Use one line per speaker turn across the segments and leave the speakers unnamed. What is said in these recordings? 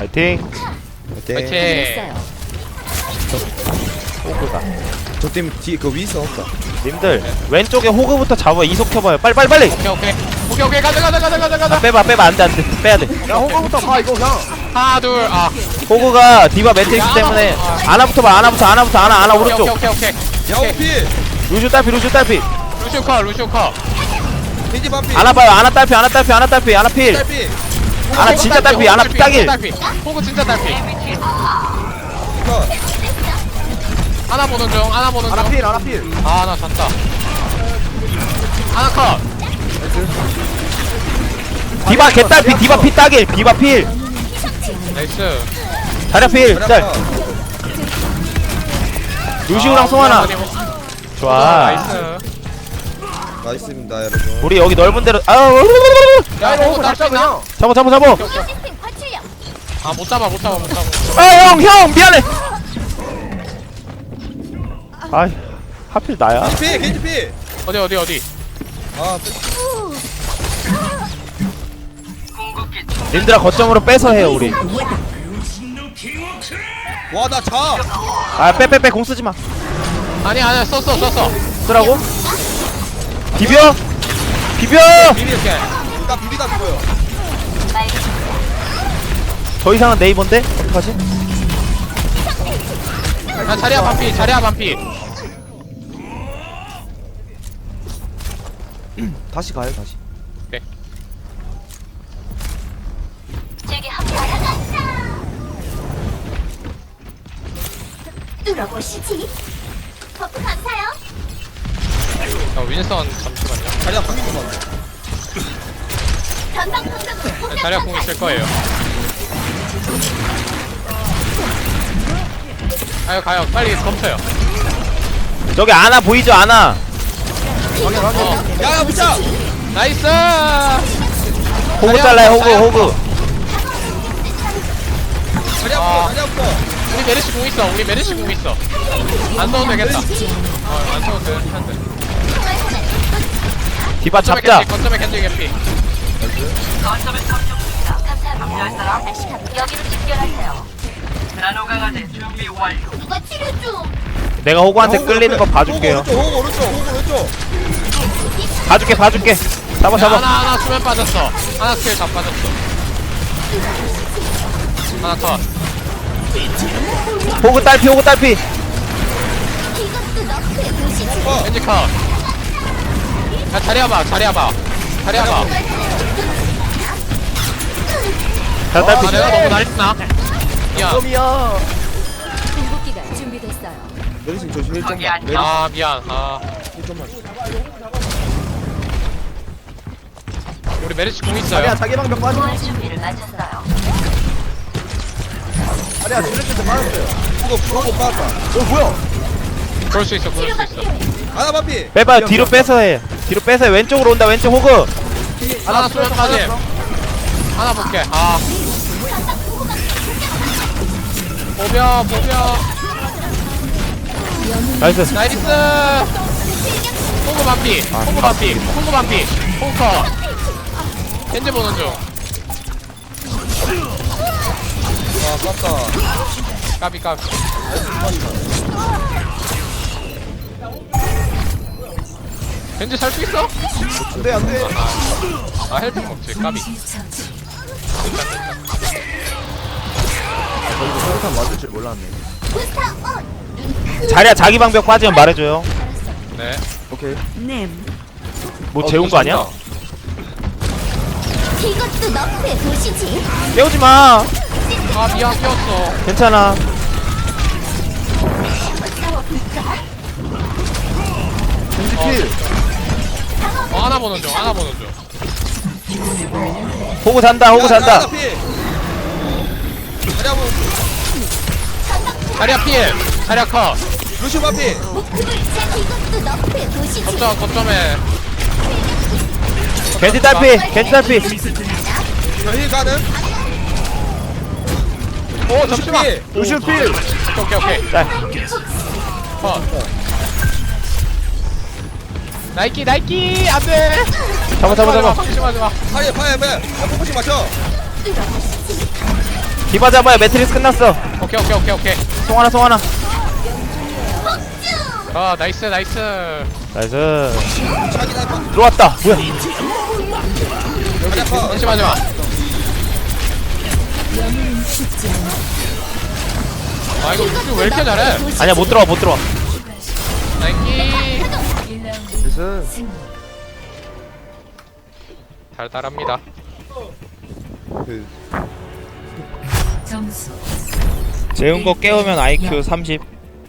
파이팅.
파이팅.
됐어요.
호그가.
저팀 뒤에 그 위 있어 없다.
님들 왼쪽에 호그부터 잡아. 이속 켜봐요. 빨리.
오케이 가자.
빼봐. 안돼. 빼야돼.
야 호가부터 가 이거 그냥.
하나 둘
호그가 디바 매트릭스
야,
때문에
아나.
아나부터 봐. 아나 오른쪽.
오케이.
야오피.
루슈 딸피.
루시오 컷.
겐지 반피.
아나 봐요. 아나 딸피. 아나 필.
딸피.
아나 진짜 딸피. 아나 딱일.
호구 진짜 딸피.
컷.
하나 보는 중.
아나필 아나필.
나 졌다. 하나 컷.
디바 개딸피. 디바 피 딱일. 디바 필.
나이스.
자리야 필. 짤. 루시우랑 송하나. 좋아.
나이스.
나이스입니다 여러분.
우리 여기 넓은 데로
야
야 이거
호구
호가
딸수
잡자
있나?
그냥.
잡아.
못 잡아.
형 미안해. 아이 하필 나야.
겐지 피.
어디?
아
님들아 거점으로 빼서 해요 우리.
와 나 자.
아 빼 공 쓰지 마.
아니야 썼어.
쓰라고? 비벼.
비빌게.
나 비비다 죽어요.
더 이상은 네이버인데 어떡하지?
야 자리야 반피.
다시 가요 다시.
뚫어보시지. 버프 감사요.
윈선 잠시만요.
자리야 방금 좀 봐.
전방 공격으로 공격
자리야 공 있을 거예요. 가요. 빨리 덮쳐요.
저기 아나 보이죠 아나.
야야 붙자.
나이스.
호그 잘라요 호그.
자리야부터.
우리 메르시 공 있어. 안 써도 되겠다. 안 써도 돼.
디바 잡자.
거점에 겐지 개피.
여기로 집결하세요. 누가 치료 좀.
내가 호그한테 끌리는 거 봐줄게요.
오른쪽.
봐줄게. 잡아.
하나 수면 빠졌어. 하나 스킬 다 빠졌어. 하나 컷.
호그 딸피.
이것도 너프의 도시지.
겐지 컷. 야 자리야 봐.
잘
아
딸피.
내가 너무 날렸나? 야.
점이야.
궁극기가 준비됐어요.
내리심 조심 1점만.
아 미안.
1점만.
우리 메르시 공 있어요.
자리야 자기 방벽 빠져.
준비를 마쳤어요.
자리야 줄레트 빠졌어요.
그거 빠졌다.
뭐야?
그럴 수 있어.
하나 반피.
빼봐. 뒤로 빼서 해. 왼쪽으로 온다. 왼쪽 호그.
하나 수면 빠짐. 하나 볼게. 보벼.
나이스.
나이스. 홍구 반피. 홍커. 겐지 보는 중.
아 깠다.
까비. 겐지 살 수 있어?
안돼.
헬멧 먹지. 까비.
저기서 소리탄 맞을 줄 몰랐네.
자리야 자기 방벽 빠지면 말해줘요.
네.
오케이.
뭐 재운 거 아니야?
이것도 너프의 도시지.
깨우지 마.
미안 끼웠어.
괜찮아.
겐지 필.
하나 보는 중.
호그 잔다.
하나 피. 자리야 뭐.
자리야 필. 자리야 컷.
루시 반피.
이것도 너프의 도시지.
거점에.
겐지 딸피.
저힐 가는.
오 잠시만.
루시오 필.
오케이.
짤.
컷. 나이키 안돼.
잡아.
방심하지 마.
파이야. 야 포커싱 맞춰.
디바 잡아야 매트리스 끝났어.
오케이.
송하나.
아 나이스.
나이스.
자기 나이파.
들어왔다. 뭐야?
자리야 파.
잠시만요. 아 이거 루시 왜 이렇게 잘해?
아니야 못 들어와.
나이키
그래서
달달합니다.
그
점수
재운 거 깨우면 IQ 30.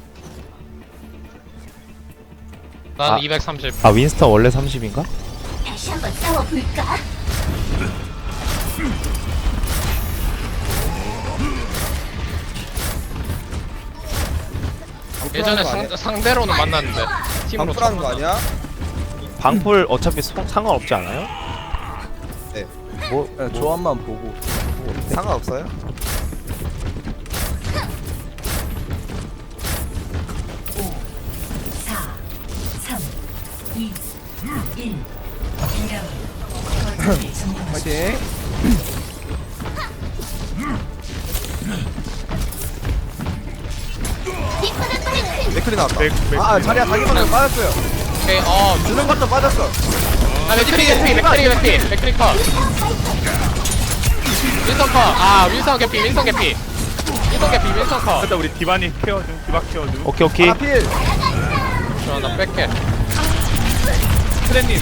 난
아.
230.
아 윈스턴 원래 30인가?
다시 한번 싸워볼까?
예전에 상대로는 만났는데 팀으로
방풀하는 거 아니야?
방풀 어차피 상관없지 않아요?
뭐 조합만 보고
상관없어요?
파이팅.
맥클이 나왔다.
아 자리야 자기만 빠졌어요.
오케이.
두명 갖다 빠졌어.
맥크리 컷. 윈선 컷. 아 윈선 개피. 윈선 컷.
일단 우리 디바니 케어 중, 디바 케어 중.
오케이.
하나 필.
나 뺄게.
트레님,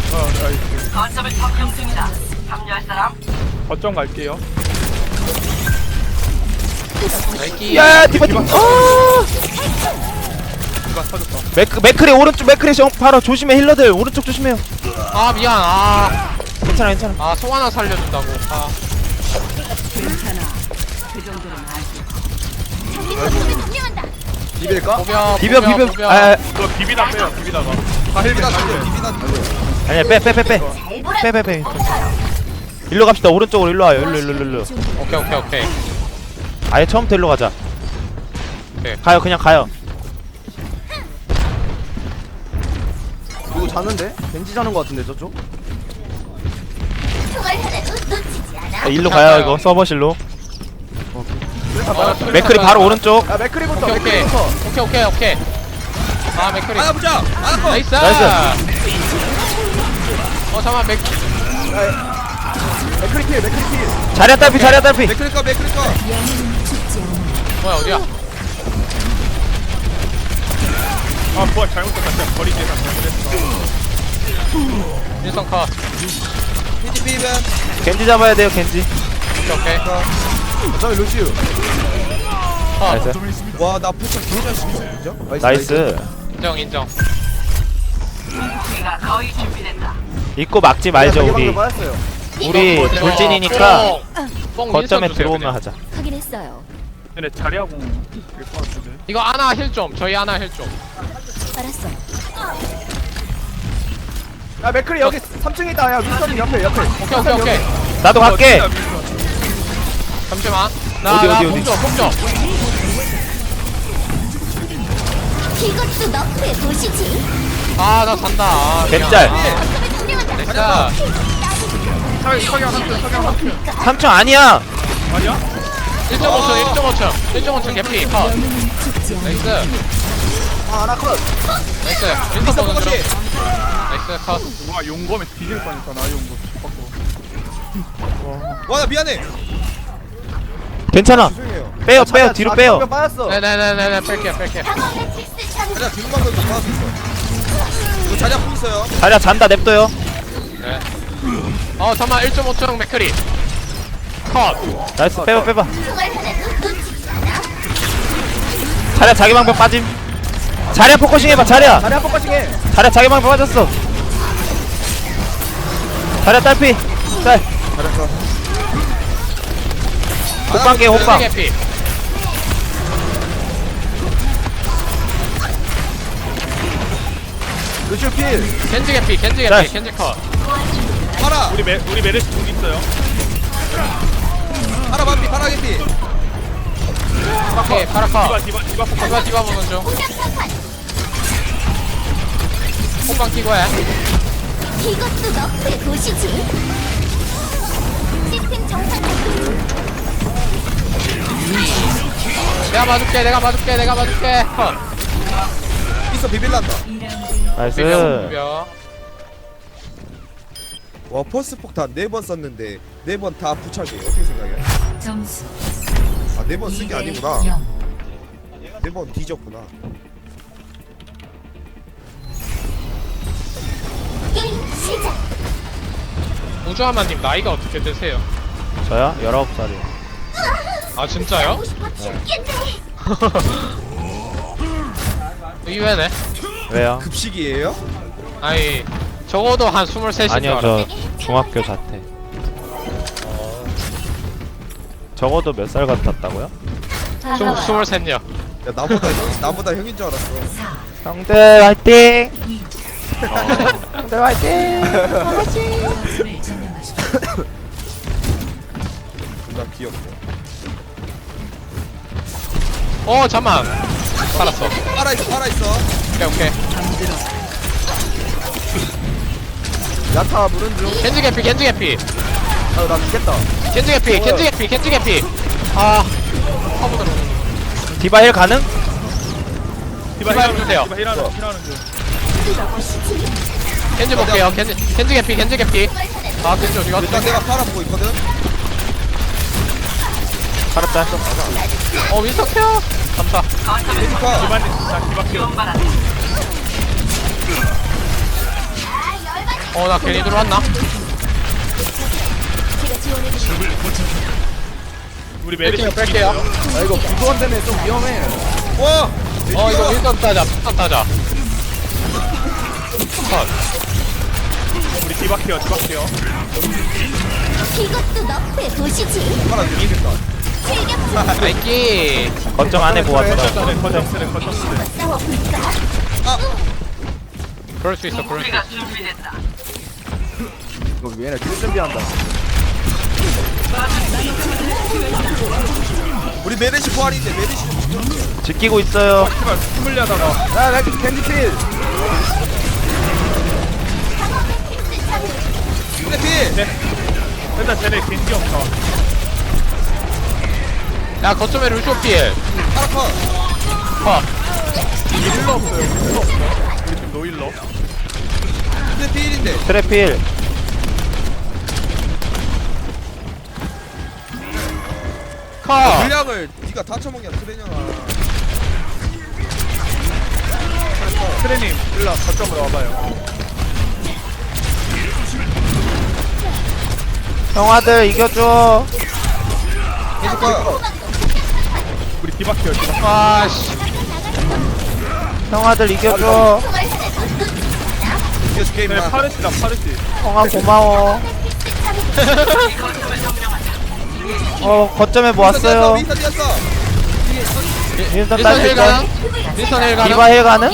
거점 갈게요.
나이키.
야 디바.
디바 터졌어.
맥크리 오른쪽 맥크리 바로 조심해 힐러들 오른쪽 조심해요.
아 미안.
괜찮아.
아 송하나 살려준다고. 아
비빌까?
비벼.
비벼. 아
너 비비다 빼요, 비비다가. 다 헬멧
비비나
다
살려.
헬멧.
비비나 살려.
아니야 빼. 일로 갑시다. 오른쪽으로 일로 와요. 일로.
오케이.
아예 처음부터 일로 가자.
오케이.
가요 그냥 가요.
누구 자는데? 벤지 자는 거 같은데 저쪽?
일로 가요 이거 서버실로.
어,
맥크리 바로 오른쪽.
야 맥크리부터
오케이.
맥크리부터.
오케이. 아 맥크리.
하나 보자. 하나 컷.
나이스. 잠깐만
맥크리 필.
자리야 딸피.
맥클이 컷. 맥클이 컷.
뭐야 어디야?
아, 뭐야, 잘못했다. 진짜 버리기 잘못했어.
윈선 컷.
피지 피면.
겐지 잡아야 돼요 겐지.
오케이.
어차피 루시우.
컷.
나이스.
와나 포션 개잘 쓰고 있죠?
나이스.
인정.
입고 막지 말죠 우리.
빠졌어요.
우리 돌진이니까
뽕
거점에
윈선 주세요,
들어오면
그냥.
하자.
확인했어요.
근데 자리하고 될것 같은데.
이거 아나 힐 좀. 저희 아나 힐 좀.
알았어.
야 맥크리 여기 3층에 있다. 야 윈스턴이 옆에.
오케이.
나도 갈게.
잠시만.
어디?
공점.
이것도 너프의 도시지.
아, 나 잔다. 아,
겐짤.
나이스.
석양
3층 아니야.
아니야?
1.5층 개피. 컷. 나이스.
아 하나 컷.
나이스. 윈선 보는 중. 나이스. 컷.
와, 용검에 뒤질 뻔했다, 나 용검.
와나 미안해.
괜찮아.
죄송해요.
빼요 뒤로 빼요.
한명 빠졌어.
네네네네. 뺄게.
자리야 뒤로만 더 나와서 있어. 이거 자리야 뽕 있어요.
자리야 잔다 냅둬요.
네. 잠깐만. 1.5층 맥크리. 컷.
나이스 빼봐. 자리야 자기 방법 빠짐. 자리야 포커싱 해봐 자리야.
자리 한 번까지 해.
자리야 자기 방법 빠졌어. 자리야 딸피. 짤.
잘했어.
호빵 깨 호빵.
개피.
루시우 필.
겐지 개피.
나이스.
겐지 컷.
파라.
우리 메르시 공 있어요.
파라 반피. 파라 개피.
오케이. 파라컷.
디바 포커.
디바 보는 중. 호빵 끼고 해.
이것도 너프의 도시지. 시스템 정상 작동.
내가 봐줄게.
있어 비빌란다.
나이스.
비벼.
와 퍼스 폭탄 4번 썼는데 4번 다 부착해. 어떻게 생각해?
점수
아 4번 쓴 게 아니구나.
0.
4번 뒤졌구나.
게임 시작.
우주하마님 나이가 어떻게 되세요?
저요? 19살이요.
아 진짜요?
하고 싶어 죽겠네.
의외네.
왜요?
급식이에요?
아니 적어도 한 23인 줄
아니요,
알았어.
저 중학교 자퇴. 적어도 몇 살 같았다고요?
23요.
야 나보다 형인 줄 알았어.
형들 화이팅! 형들 화이팅!
점수를 점령하십시오.
존나 귀엽고.
잠만. 살았어.
살아있어.
오케이.
야타 물은 중.
겐지 개피.
아유 나 죽겠다.
겐지 개피. 아. 화보 들어.
디바 힐 가능?
디바 해주세요.
디바 힐하는 중.
들어보시지.
겐지 볼게요. 겐지 개피. 아 겐지 어디
일단
갔어?
내가 팔아보고 있거든.
살았다.
윈서 케어. 감사.
데이지카.
디바 키워.
나 괜히 들어왔나?
제가 지원해드릴게요.
우리 메르시
뺄게요.
아 이거 구조원 때문에 좀 위험해.
와.
이거 윈선 따자. 컷.
우리 디바 키워.
이것도 너프에 보시지.
팔아 죽이겠다.
실격
나이키.
걱정 안 해 보았어.
거점 쓰래.
싸워볼까?
그럴 수 있어.
이거 얘네 킬 준비한다.
우리 메르시 부활인데 메르시 좀 죽여.
지키고 있어요.
제발 숨을 하다가
야나 캔디필.
근데 필.
일단 쟤네 겐지 없다.
야 거점에 루쇼필.
팔아 컷.
컷.
힐러 없어요. 우리 팀 노힐러.
근데 필인데.
트래필.
컷.
물량을 네가 다 처먹냐 트레냐가.
트레님 일로 거점으로 와봐요.
형아들 이겨줘.
데이지카.
우리 디바 키워.
아씨.
형아들 이겨줘.
이겨줄게
쟤네
임마.
파르시다.
형아 고마워. 거점에 뭐 왔어요?
윈선 뛰었어.
윈스턴
윈선 힐 가능?
딸
윈선 힐 가능?
디바 힐 가능?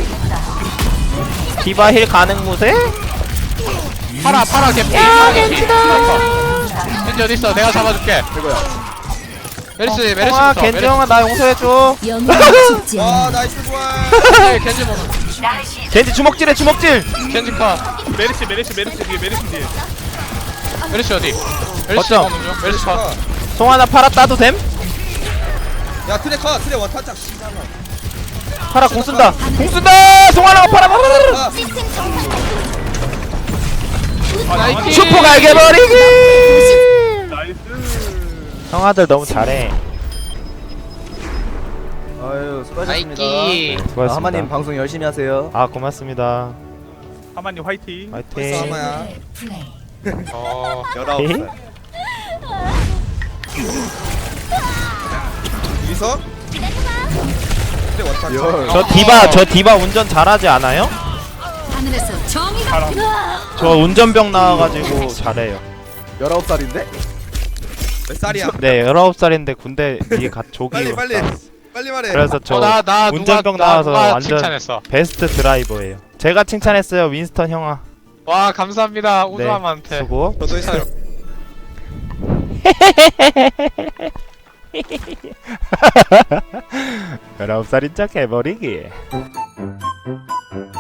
디바 힐 가능 무세?
파라 개피. 겐지 어디 있어? 내가 잡아줄게. 메르시
형아
있어.
겐지 형아 나 용서해줘.
영웅은 죽지 않아.
와 나이스 부활.
겐지 먹어.
겐지 주먹질해 주먹질.
겐지 컷.
메르시 뒤에.
메르시 어디? 메르시
거점.
먹는 중. 메르시 컷.
송하나 팔아 따도 됨?
야 트레 컷. 트레 원탄짝 씨잖아.
팔아 공 쓴다. 공 쓴다. 송하나가 팔아.
아,
시스템 정상.
나이키.
슈퍼 갈겨버리기.
나이스.
형아들 너무 잘해.
아유 수고하셨습니다.
나이키.
수고하셨습니다.
하마님 방송 열심히 하세요.
아 고맙습니다.
하마님 화이팅.
벌써
화이팅.
아마야.
플레이.
19살. 여기서 트레 원탄짝.
저 디바 운전 잘하지 않아요?
하늘에서 정의가
저 운전병 나와가지고 잘해요.
19살인데?
몇 살이야?
네 19살인데 군대 뒤에 조기
빨리
갔다.
빨리 말해.
그래서 저
나
운전병
누가
나와서 완전
칭찬했어.
베스트 드라이버예요. 제가 칭찬했어요. 윈스턴 형아.
와 감사합니다.
네,
우주함한테.
수고.
저도 했어요.
19살인 척 해버리기.